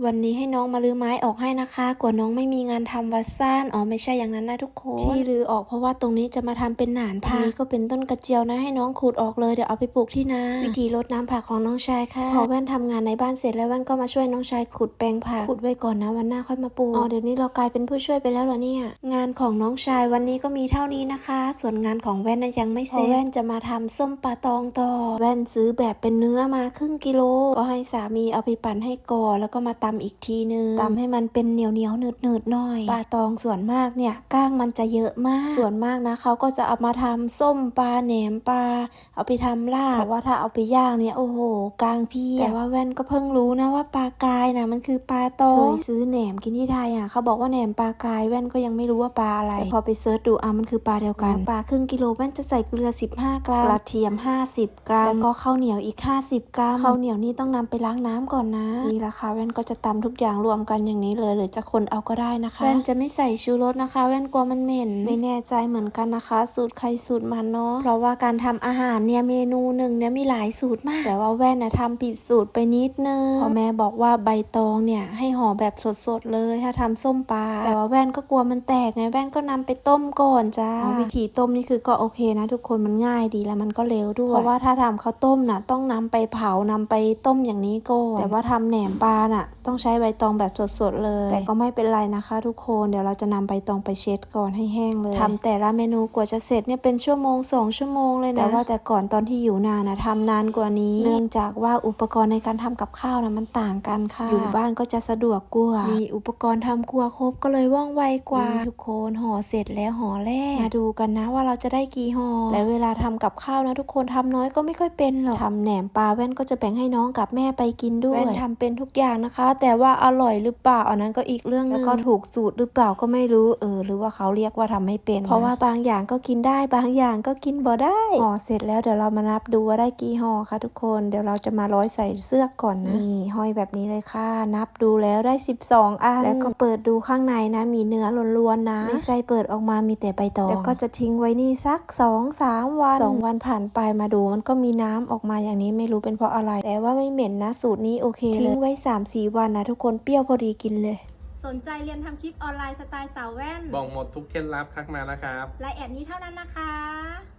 วันนี้ให้น้องมาลื้อไม้ออกให้นะคะกลัวน้องไม่มีงานทำวัดซ่านอ๋อไม่ใช่อย่างนั้นนะทุกคนที่ลื้อออกเพราะว่าตรงนี้จะมาทำเป็นหนานผักนี้ก็เป็นต้นกระเจียวนะให้น้องขูดออกเลยเดี๋ยวเอาไปปลูกที่นาวิธีรดน้ำผักของน้องชายค่ะพอแว่นทำงานในบ้านเสร็จแล้วแว่นก็มาช่วยน้องชายขุดแปลงผักขุดไว้ก่อนนะวันหน้าค่อยมาปลูกอ๋อเดี๋ยวนี้เรากลายเป็นผู้ช่วยไปแล้วเหรอเนี่ยงานของน้องชายวันนี้ก็มีเท่านี้นะคะส่วนงานของแว่นยังไม่เสร็จแว่นจะมาทำส้มปลาตองต่อแว่นซื้อแบบเป็นเนื้อมาครึ่งกิโลก็ให้สามีเอาไปปั่นให้ก่อนแล้วก็มาตำอีกทีนึงตำให้มันเป็นเหนียวหนืดหน่อยปลาตองส่วนมากเนี่ยก้างมันจะเยอะมากส่วนมากนะเขาก็จะเอามาทำส้มปลาแหนมปลาเอาไปทำลาบแต่ว่าถ้าเอาไปย่างเนี่ยโอ้โหก้างพี่แต่ว่าแว่นก็เพิ่งรู้นะว่าปลากายนะมันคือปลาตองเคยซื้อแหนมกินที่ไทยอ่ะเขาบอกว่าแหนมปลากายแว่นก็ยังไม่รู้ว่าปลาอะไรแต่พอไปเซิร์ชดูมันคือปลาเดียวกันปลาครึ่งกิโลแว่นจะใส่เกลือ15 กรัมกระเทียม50 กรัมแล้วก็ข้าวเหนียวอีก50 กรัมข้าวเหนียวนี่ต้องนำไปล้างน้ำก่อนนะนี่ราคาแว่นก็จะตำทุกอย่างรวมกันอย่างนี้เลยหรือจะคนเอาก็ได้นะคะแว่นจะไม่ใส่ชูรสนะคะแว่นกลัวมันเหม็นไม่แน่ใจเหมือนกันนะคะสูตรใครสูตรมันเนาะเพราะว่าการทำอาหารเนี่ยเมนูหนึ่งเนี่ยมีหลายสูตรมากแต่ว่าแว่นนะทำผิดสูตรไปนิดนึงพอแม่บอกว่าใบตองเนี่ยให้ห่อแบบสดๆเลยถ้าทำส้มปลาแต่ว่าแว่นก็กลัวมันแตกไงแว่นก็นำไปต้มก่อนจ้าวิธีต้มนี่คือก็โอเคนะทุกคนมันง่ายดีแล้วมันก็เร็วด้วยเพราะว่าถ้าทำข้าวต้มน่ะต้องนำไปเผานำไปต้มอย่างนี้ก่อนแต่ว่าทำแหนมปลาน่ะต้องใช้ใบตองแบบสดๆเลยแต่ก็ไม่เป็นไรนะคะทุกคนเดี๋ยวเราจะนำใบตองไปเช็ดก่อนให้แห้งเลยทำแต่ละเมนูกว่าจะเสร็จเนี่ยเป็นชั่วโมง2 ชั่วโมงเลยนะแต่ว่าแต่ก่อนตอนที่อยู่นานนะทำนานกว่านี้เนื่องจากว่าอุปกรณ์ในการทำกับข้าวนะมันต่างกันค่ะอยู่บ้านก็จะสะดวกกว่ามีอุปกรณ์ทำครัวครบก็เลยว่องไวกว่าทุกคนห่อเสร็จแล้วห่อแรกมาดูกันนะว่าเราจะได้กี่ห่อและเวลาทำกับข้าวนะทุกคนทำน้อยก็ไม่ค่อยเป็นหรอกทำแหนมปลาแว่นก็จะแบ่งให้น้องกับแม่ไปกินด้วยแว่นทำเป็นทุกอย่างนะคะแต่ว่าอร่อยหรือเปล่าอันนั้นก็อีกเรื่องนึงแล้วก็ถูกสูตรหรือเปล่าก็ไม่รู้หรือว่าเขาเรียกว่าทำไม่เป็นเพราะว่าบางอย่างก็กินได้บางอย่างก็กินบ่ได้ห่อเสร็จแล้วเดี๋ยวเรามานับดูว่าได้กี่ห่อค่ะทุกคนเดี๋ยวเราจะมาร้อยใส่เสื้อก่อนนะนี่ห้อยแบบนี้เลยค่ะนับดูแล้วได้12 อันแล้วก็เปิดดูข้างในนะมีเนื้อล้วนๆนะไม่ใช่เปิดออกมามีแต่ใบตองแล้วก็จะทิ้งไว้นี่สัก2-3 วัน2 วันผ่านไปมาดูมันก็มีน้ำออกมาอย่างนี้ไม่รู้เป็นเพราะอะไรแต่ว่าไม่เหม็นนะสูตรนี้โอเคเลยทิ้งไว้3-4 วันนะทุกคนเปรี้ยวพอดีกินเลยสนใจเรียนทำคลิปออนไลน์สไตล์สาวแว่นบอกหมดทุกเคล็ดลับทักมานะครับไลน์แอดนี้เท่านั้นนะคะ